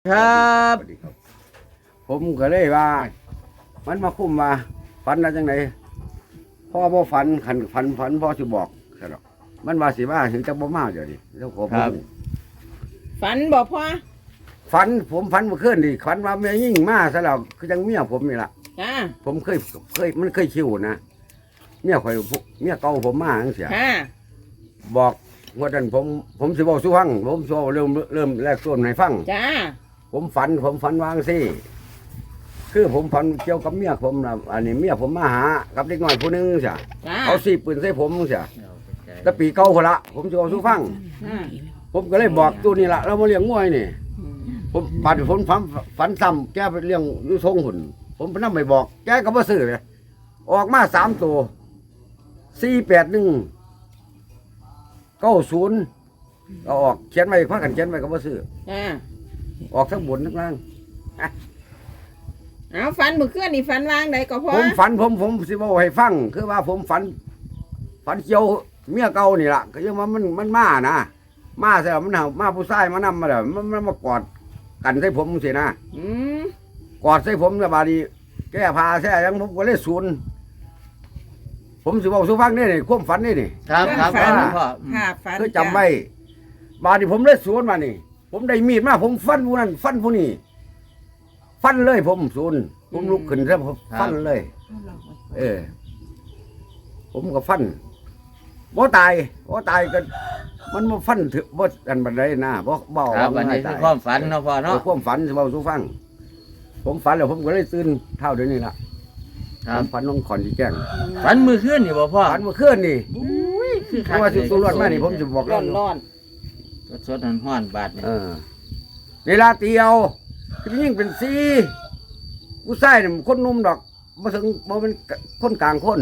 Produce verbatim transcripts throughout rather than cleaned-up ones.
ครับสวัสดีครับ ผมก็เลยว่า มันมาคุ้มมาฝันอะไรจังไหนพ่อบ่ฝันขันฝันฝันพ่อสิบอกใช่หรอกมันว่าสิว่าถึงจะบ่มาเดี๋ยวนี้แล้วขอผมฝันบอกพ่อฝันผมฝันเมื่อคืนดิฝันว่าเมียยิ่งมาซะแล้วคือจังเมียผมนี่ล่ะจ้าผมเคยเคยมันเคยคิวนะเมียข่อยเมียเก่าผมมาจังเสียค่ะบอกว่าดันผมผมสิบอกสู้ฟังผมสิบอกเริ่มเริ่มแรกส่วนให้ฟังจ้าผมฝันผมฝันวางสิคือผมฝันเกี่ยวกับเมียผมนะอันนี้เมียผมมาหากับเด็กน้อยผู้หนึงเสียจ้าเขาสีปืนใส่ผมเสียแต่ปีเก่าคนละผมจะเอาสู้ฟังอ่าผมก็เลยบอกตัวนี้ละเรามาเลี้ยงงวยนี่ผมปัดผมฝันฝันซ้ำแกไปเลี้ยงอยูทรงหุ่นผมไปนั่งไปบอก แกก็มาซื้อเลยออกมาสามตัวสี่แปดหนึ่งเก้าศูนย์เอาออกเขียนไว้พักกันเขียนไว้ก็มาซื้อจ้าออกทั้งบนทั้งล่างเอาฝันเมื่อคืนนี่ฝันวางไหนก็พ่อผมฝันผมผมสิบอกให้ฟัง คือว่าผมฝัน ฝันเกี่ยวเมียเก่านี่ล่ะก็ยังว่ามันมันมานะมาเสร็จแล้วมันเอามาผู้ชายมานำมาแล้วมันมันมากอดกันใส่ผมสินะอืมกอดใส่ผมแล้วบาดนีแก้ผ้าแท้ยังผมก็เลยศูนย์ผมสิบอกสุฟังนี่นี่ความฝันนี่นี่ครับครับฝันพ่อค่ะฝันคือจำไว้บาดนีผมเลยศูนย์มานี่ ผมได้มีดมาผมฟันผู้นั้นฟันผู้นี้ฟันเลยผมศูนย์ผมลุกขึ้นแล้วผมฟันเลย เออ ผมก็ฟันบ่ตายบ่ตายก็มันมาฟันถึงบ่อันบันไดนะบ่เบาครับอันนี้คือความฝันเนาะพ่อเนาะเนาะความฝันสิเบาสู่ฟัง ผมฝันแล้วผมก็เลยตื่นเท่าเดี๋ยวนี้ล่ะครับผมฝันน้องขอนที่แจ้งฝันมือขึ้นนี่บ่พ่อฝันเมื่อคืนนี่อุ้ยคือเพคักราะว่าสิเลยตัวรอดมานี่ผมจะบอกร้แล้อวนร้อนสดๆร้อนๆบาดนี่เออเวลาเตียวคือยิ่งเป็นซีผู้ชายนี่มันคนหนุ่มดอกมาถึงมาเป็นคนกลางคน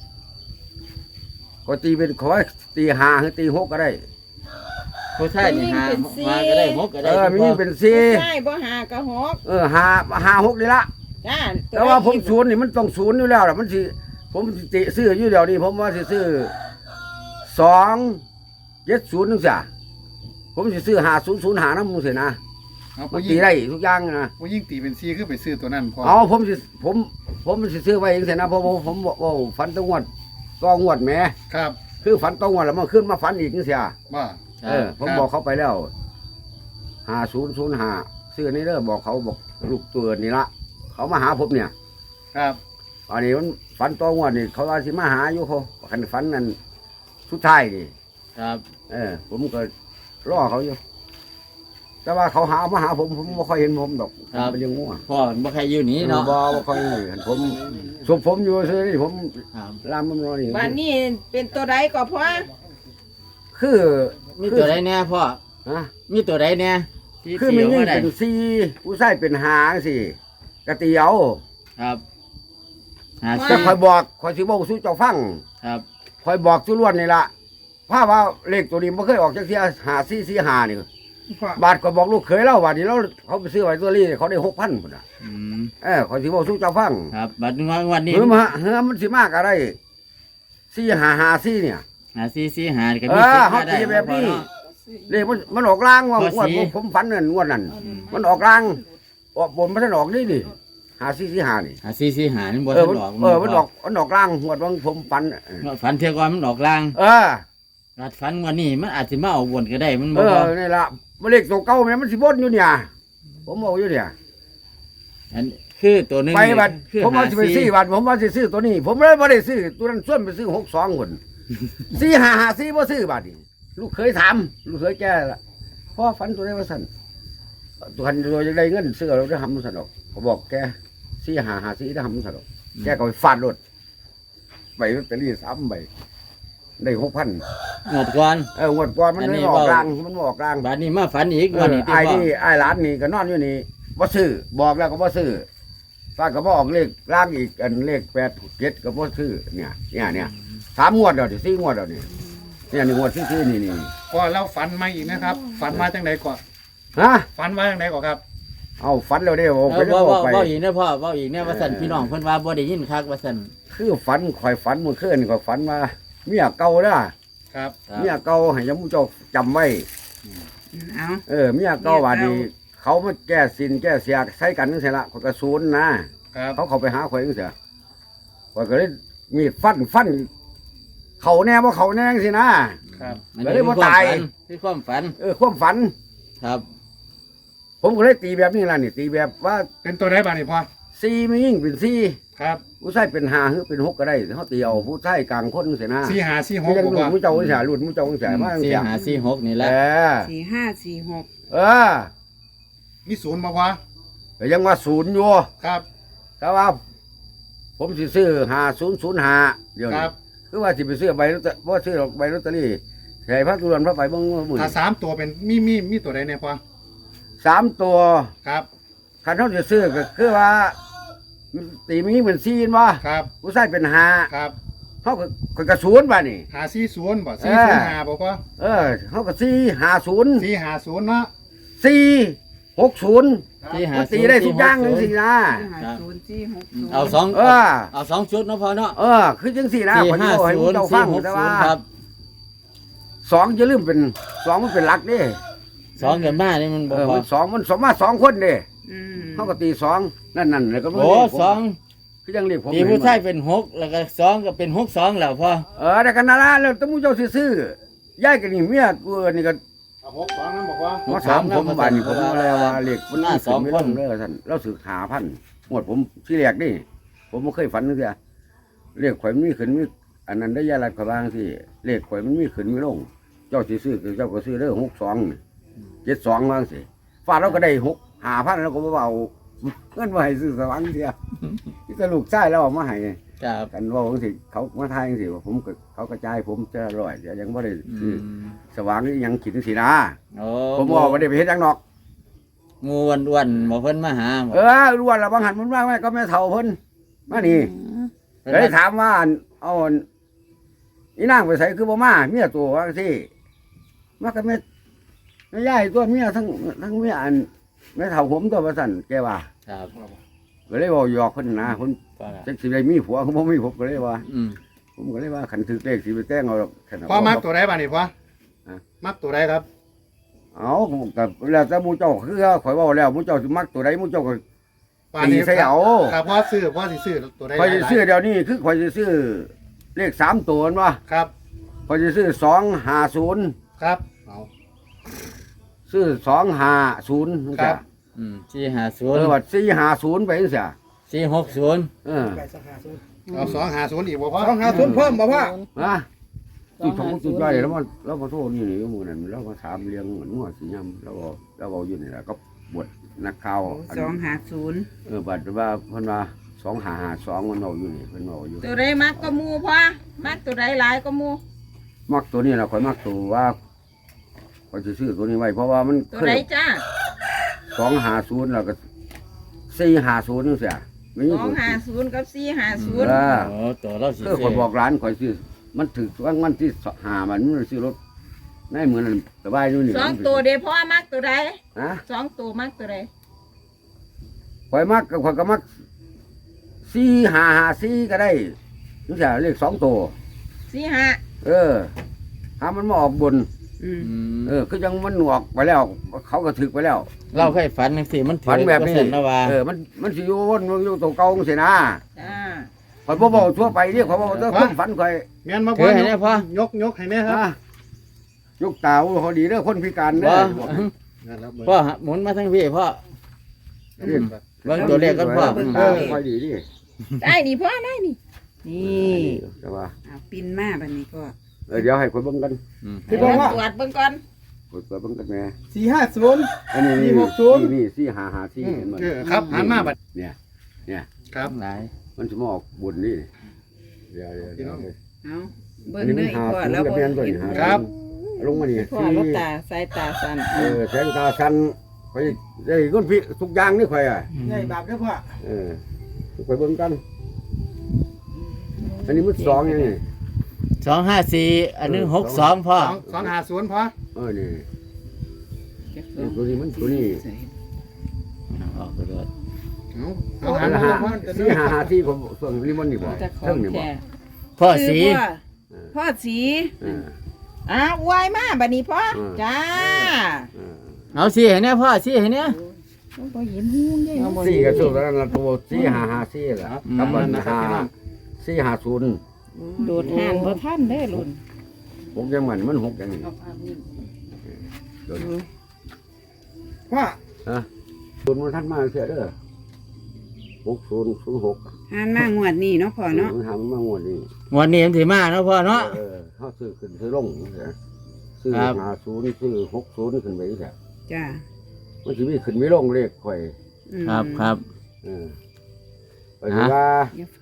ก็ตีเป็นขอให้ตีห้าหรือตีหกก็ได้ผู้ชายนี่หามาก็ได้หกก็เอได้อมียิ่งเป็นซีใช่บ่หากระหอกเออห้าห้าหกนี่ละจ้าแต่ว่าผมศูนย์นี่มันต้องศูนย์อยู่แล้วล่ะมันสิผมสิติซื้ออยู่เดี๋ยวนี้ผมว่าสิซื้อสองเจ็ดศูนย์นึงจ้ะผมสิซื้อหาศูนย์ศูนย์หาน้ำมูสินะเอามันผู้ตียิ่งได้ทุกอย่างนะผู้ยิ่งตีเป็นซีคือไปซื้อตัวนั้นพอเอาผมสิผมผมสิซื้อไว้เองเสียนะเพราะผมผมบอกว่าฝันต้องงวดก็งวดแหมครับคือฝันต้องงวดแล้วมันขึ้นมาฝันอีกนี่เสียว่าคเอรับอผมบอกเขาไปแล้วหาศูนย์ศูนย์หาซื้อนี่เด้อบอกเขาบอกลูกตัวนี่ละเขามาหาผมเนี่ยครับอันนี้มันฝันต้องงวดนี่เขาว่าสิมาหาอยู่เขาขันฝันนั่นสุดท้ายนี่ครับเออผมก็รอเขาอยู่ แต่ว่าเขาหามาหาผมผมไม่ค่อยเห็นผมดอกผมไปเลี้ยงงัวพ่อบ่ใครอยู่นี่เนาะบ่บ่ค่อยเห็นผมสุผมอยู่ซื่อนี่ผมครับลามมันรอนี่บ้านนี้เป็นตัวใดก็พ่อคือมีตัวใดแน่พ่อฮะมีตัวใดแน่ที่คือเที่มียวยิ่งมาได้เป็นซีผู้ชายเป็นหางสิกะเตียวครับหาแต่ซี่คอยบอกคอยสิบอกสู้เจ้าฟังครับคอยบอกสู้ล้วนนี่ล่ะถ้าว่าเลขตัวนี้ไม่เคยออกจากเสียหาซีซีหานี่บาทก็บอกลูกเคยเล่าว่านี่เราเขาไปซื้อไว้ตัวนี้เขาได้หกพันคนน่ะอืมเออคอยสิบอกสู้เจ้าฟังครับบัดงวันนี้เฮ้ยมาเฮ้ยมันสิมากอะไรซี่หาหาซี่เนี่ยหาซี่ซี่หาก็เอมีอสิทธิ์เขามาได้ตีแบบนี้พ่อเนาะเลขมันมันออกล่างว่าข้องวดสีผมผมฝันเงินงวดนั้นมันออกล่างออกบนมันออกนี่ดิหาซี่ซี่หานี่หาซี่ซี่หานี่บ่เอทัอน มันออกเออมันออกมันออกล่างงวดวังผมฝันฝันเที่ยวก่อนมันออกลางเออรัดฝันวันนี้มันอาจสิมาเอาวนก็ได้มันเอบ่พออนี่ละมันเลขตัวเก่าแม่มันสิบดอยู่เนี่ยผมบอกอยู่เนี่ยอันคือตัวหนึงไปบัดคือผมว่าหาสิไปซี่ซื้อบัดผมว่าสิซื้อตัวนี้ ผมเลยไม่ได้ซื้อตัวนั้นส่วนไปซื้อหกสองคน สี่หาหาสี่บ่ซื้อบัดนี้ลูกเคยถามลูกเคยแก่ละพ่อฝันตัวได้ว่าสั่นตัวคันตัวจะได้เงินซื้อเราได้ทำมันสั่นดอกเขาบอกแกสี่หาหาสี่ได้ทำมันสั่นดอกแกก็ไปฟาดรถใบลอตเตอรี่สามใบได้หกพันหมดก่อนเอองวดก่อนมันอันนี้ไม่ออกเว้ากลางมันบ่ออกกลางบัดนี้มาฝันอีกเอวันอนี้ที่ไอ้พ่อนี่ไอ้หลานนี่ก็นอนอยู่นี่บ่ซื้อบอกแล้วก็บ่ซื้อฟาดก็บ่ออกเลขล่างอีกอันเลขแปดเจ็ดก็บ่ซื้อเนี่ยเนี่ยเนี่ยสามงวดเดียวดิสี่งวดเดียวนี่เนี่ยหนึ่งงวดที่ซื้อนี่นี่พอเราฝันมาอีกนะครับ ฝันมาจังไหนก่อนฮะฝันมาจังไหนก่อนครับเอาฝันแล้วเด้โอ้เอไปอเรื่เว้าอยเว้าไปเว้าอีกนะพ่อเว้าอีกเนี่ยว่าซั่นพี่น้องเพิ่นว่าบ่ได้ยินคักว่าซั่นคือฝันข่อยฝันเมื่อคืนข่อยฝันว่าเมียเก่าเด้อครับครับเมียเก่าให้ยมเจ้าจำไว้เอาเออเมียเก่าว่าดีเขามาแก้สินแก้เสียใช้กันนั่นสิละคนกระสูนนะครับ เขาเขาไปหาข่อยนั่นเสียข่อยก็เลยมีดฟันฟันเขาแน่ว่าเขาแน่สินะครับอันก็นี้เลยคือบ่ความตายฝันคือความฝันเออความฝันครับผมก็เลยตีแบบนี้ล่ะนี่ตีแบบว่าเป็นตัวใดบ้างนี่พ่อซีไม่ยิ่งเป็นซีครับผู้ชายเป็นหาหรือเป็นหกก็ได้เขาตีเอาผู้ชายกลางคนเสียนะสี่หาสี่หที่กยังบ่หลุพ่ดอมุ้เจ้าเสียหลุดมุ้เจ้าเสียมาสี่เสียหาสี่หกนี่แหเอละอสี่ห้าสี่หกเออมีศูนย์บ่พ่อแต่ยังว่าศูนย์อยู่ครับแต่ว่า ผมสิซื้อหาศูนย์ศูนย์หาเดี๋ยวคนี้รับคือว่าสิไปซื้อใบลอตเตอรี่ว่าซื้อใบลอตเตอรี่ใส่พระตุลนพระไปเบิ้งมือถ้าสามตัวเป็นมีมีมีตัวใดเนี่ยพ่อสามตัวครับคันเขาจะซื้อก็คือว่า ตีมีเหมือนซีนว่าครับผู้ชายเป็นหาครับเขาก็ก็กระศูนย์ป่ะนี่หาสี่ศูนย์บ่สี่ศูนย์หาบ่พ่อเออเขาก็ซีหาศูนย์สี่หาศูนย์เนาะซีหกศูนย์สี่หามันศูตีนย์ได้ทุกอย่างจังสินะห้าศูนย์สี่หกศูนย์เอาสองเออเอาสองชุดเนาะพ่อเนาะเออ คือจังสี่นะสี่คนห้าที่บอกให้ศูนย์เจ้าสี่ฟังหกแต่ศูว่านย์ครับสองจะลืมเป็นสองมันเป็นหลักเด้สองกับมานี่มันบเออกอพอมันสองมันสมมาสองคนเด้อืมเขาก็ตีสองนั่นนั่นเลยก็ไม่โอ้เรียกผมสองคือยังเรียกผมตีผู้ชายเป็นหกแล้วก็สองก็เป็นหกสองแล้วพ่อเออแต่กันนาละแล้วแต้องมูเจ้าซื้อๆย้ายกันนี่เมียกูนี่ก็เอาหกสองนั่นบอกว่ามาถามผมบ้านนี่ผมว่าอะไรว่าเรียกมันหน้าสองไม่คลนงเด้อท่านเราสืบหาพันหมดผมที่แรกนี่ผมไม่เคยฝันนึกเลยเรียกข่อยมันมีขึ้นมีอันนั้นได้ยาลัดขบางที่เรียกข่อยมันมีขึ้นมีลง เจ้าสิซื้อคือเจ้าก็ซื้อเด้อหกสองเจ็ดสองบางสิฟาดเราก็ได้หกหาพันแล้วก็บ่เอาเงินมาให้ซื้อสว่างเสียที่ตลูกใช้แล้วเอามาให้ครับกันว่าบางสิเขามาทายจังสิว่าผมก็เขากระจายผมจะร่อยเดี๋ยวยังไม่ได้อืซื้อมสว่างนี่ยังขิดสินะโอ้ผมบอกว่าได้ไปเฮ็ดหยังนอกงูวันอ้วนๆบ่เพิ่นมาหาบ่เออรู้ว่าเราบางหันมันว่าไม่ก็ไม่เท่าเพิ่นมานี่เพิ่นเลยว่าถามว่าเอาอีนางไปใส่คือบ่มาเมียตัวว่าสิมาก็ไม่ไม่ย้ายตัวเมียทั้งทั้งเมียอันไม่เท่าผมตัวประสันแกว่าครับก็เลยบอกหยอกเพิ่นนะเพิ่นพ่อละจักสิได้มีผัวเขาบ่มีผมก็เลยว่าอืมผมก็เลยว่าขันถือเลขสิไปแต่งเอาหรอกแค่นั้นพ่อมักตัวใดบ้างนี่พ่อฮะมักตัวใดครับเอากับแล้วแต่หมู่เจ้าคือข่อยเว้าแล้วหมู่เจ้าสิมักตัวใดหมู่เจ้าก็ป่านตีนี้ใส่เอาถ้าพ่อซื้อพ่อสิซื้อตัวใดข่อยหสิลายๆซื้อเดี๋ยวนี้คือข่อยสิซื้อเลขสามตัวนั่นว่าครับข่อยสิซื้อสองห้าศูนย์ครับเอาซื้อสองห้าศูนย์ครับอืมสี่ห้าศูเอนย์อว่าสี่ห้าศูนย์ไปจังซี่สี่หกศูนย์เออเอาสองหาศูนย์อีกบ่พ่อต้องหาทุนเพิ่มบ่พ่อฮะที่ของจุดย่อยแล้วมันแล้วมาโทษนี่นี่หมู่นั้นแล้วมาถามเลี้ยงเหมือนหัวสิยำแล้วก็แล้วก็อยู่นี่แหละก็บวชนักข่าวอันสองห้าศูนย์เออบัดว่าเพิ่นว่าสองห้าห้าสองมันเอาอยู่นี่เพิ่นเอาอยู่ตัวใดมักก็หมูพ่อมักตัวใดหลายก็หมูมักตัวนี้ล่ะข่อยมักตัวว่าข่อยสิซื้อตัวนี้ไว้เพราะว่ามันตัวเคใดยจ้าสองห้าศูนย์แล้วก็สี่ห้าศูนย์จังซี่ไม่สมีองตัวห้าศูนย์กับสี่ห้าศูนย์เออโอ้ตัวเราสิคือข่อยบอกร้านข่อยซื้อมันถึกวันวันที่หามันมันซื้อรถในเหมือนนั้นสบายอยู่นี่สองตัวเด้พ่อมักตัวใดฮะสองตัวมักตัวใดข่อยมักข่อยก็มักสี่ห้าห้าสี่ก็ได้จังซี่เลขสองตัวสี่ห้าเออหามันมาออกบนอืมอืมเออคือยังมันหนวกไปแล้ว เขาก็ถึกไปแล้วเราเคยฝันจังซี่มันถืฝันแบบนี้เปอร์เซ็นต์นะว่าเออมันมันสิอยู่วนอยู่ตัวเก่าจังซี่นะจ้าข่อยบ่บอกทั่วไปนี่ข่อยบอกตัวคนฝันข่อยแม่นมาถืพ่ออให้แน่พ่อยกยกให้แน่ครับนะยกตาเขาดีเด้อคนพิการเด้บ่อนั่นแล้วเบิ่งพ่อหมุนมาทางพี่พ่อ เบิ่งตัวเลขกันพ่อเออค่อยดีดิได้นี่พ่อได้นี่นี่แต่ว่าเอาปินมาบัดนี้พ่อเออเดี๋ยวให้คนเบิ่งกันอืมพี่บอกว่าตรวจเบิ่งก่อนคนเบิ่งกันแม่สี่ห้าศูนย์อันนี้สี่นี่หกศูนย์นี่สี่ห้าห้าสี่เห็นบ่เออครับหันมาบัดเนี่ยครับหลายมันสิมาออกบุญนี่เดี๋ยวเดี๋ยวเดี๋ยวเอาเบิ่อังนนี้เนื้มัอน อีกหาพ่อศูนแล้วย์กับบ่แม่นตัวเห็นี้นหาครับลงมานี่พ่อลูกตาสายตาสั่นเออแสงตาสันข่อยได้คนพี่ทุกอย่างนี่ข่อยอ่ะใหญ่บาปเด้อพ่อเออข่อยเบิ่งกัน อันนี้มันสองอย่างนี้สองห้าสี่อันนึงหกสองพ่อสองสองหาศูนย์พ่อเออนี่นี่ตัวนี้มันตัวนี้ออกไปเลยเอาเอาอัหันนมาหาพ่อสี่หาหาที่ผมส่วนลิมอนนี่บ่จะขอเรื่องงนี่บ่แท้พ่อสีคือพ่อพ่อสีเอออ้าวอวยมาบัดนี้พ่ออืมจ้าเออเอาสีให้แน่พ่อสีให้แน่อบ่เห็นหูใหญ่สี่ก็สู้แล้วนะตัวสี่ห้าห้าสี่แหละอืมกับมันนะครับห้าพี่น้องสี่ห้าศูนย์โดดห่านบ่ทันเด้อรุ่นหกยังเหมือนมันหกอย่างนี้พ่อฮะศูนย์มันทันมาเสียเด้อหกศูนย์ศูนย์หกห่านมางวดนี้เนาะพ่อเนาะมันทำมางวดนี้วันนี้มันสิมาเนาะพ่อเนาะเออเขาซื้อขึ้นซื้อลงเสียซื้อครับห้าศูนย์ซื้อหกศูนย์ขึ้นไปเสียจ้ามันจะมีขึ้นไม่ลงเลขข่อยอืมครับครับเออไปดูว่าอย่า